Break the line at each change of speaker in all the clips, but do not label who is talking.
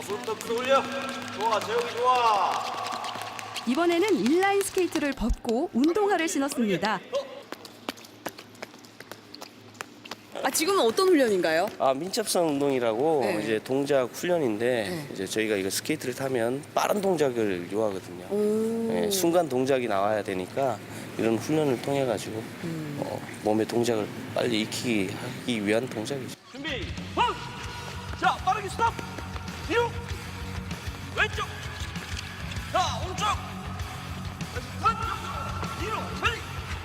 손 더 끌어올려. 좋아, 재욱이 좋아.
이번에는 인라인 스케이트를 벗고 운동화를 신었습니다.
아, 지금은 어떤 훈련인가요?
민첩성 운동이라고
네.
이제 동작 훈련인데 이제 저희가 이거 스케이트를 타면 빠른 동작을 요하거든요. 예, 순간 동작이 나와야 되니까 이런 훈련을 통해 가지고 몸의 동작을 빨리 익히기 하기 위한 동작이죠.
준비, 원! 자, 빠르게 스탑! 뒤로! 왼쪽! 자, 오른쪽! 한! 뒤로! 빨리!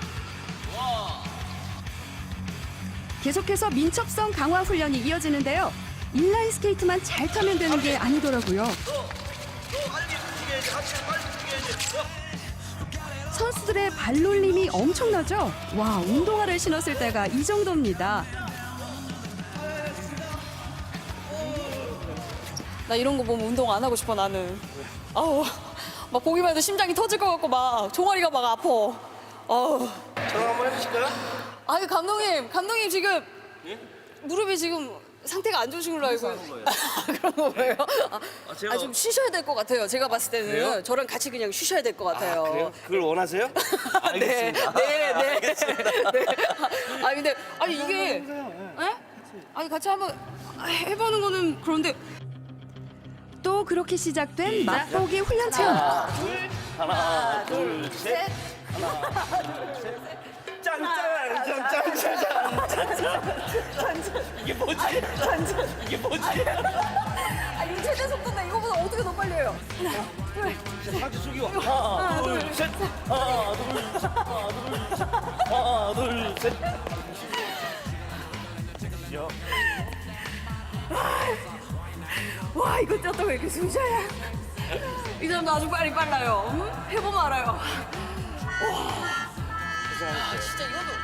계속해서 민첩성 강화 훈련이 이어지는데요. 인라인 스케이트만 잘 타면 되는 게 아니더라고요.
빨리 움직여야지, 같이 빨리 움직여야지.
선수들의 발놀림이 엄청나죠? 와, 운동화를 신었을 때가 이 정도입니다.
나 이런 거 보면 운동 안 하고 싶어, 나는. 아우, 막 보기만 해도 심장이 터질 것 같고 막 종아리가 막 아파. 아우.
저랑 한번 해보실까요?
아유, 감독님 지금 무릎이 지금 상태가 안 좋으신 걸로 알고 그런 거예요?
제가-
좀 쉬셔야 될 것 같아요. 제가 봤을 때는
그래요?
저랑 같이 그냥 쉬셔야 될 것 같아요.
그래요? 그걸 원하세요? 알겠습니다.
네. 아 근데 아니 이게 에? 아니 같이 한번 해보는 거는 그런데
또 그렇게 시작된 맛보기 훈련 체험.
하나, 둘, 셋. 이게 뭐지? 이게 뭐지?
아 이거 최대 속도인데 이거보다 어떻게 더 빨리 해요?
상체 숙이고 하나, 둘, 셋. 하나, 둘, 셋. 하나, 둘, 셋.
와 이거 뛰었다고 이렇게 숨 쉬어야 이 사람도 아주 빨라요. 해보면 알아요. 와 진짜 이거도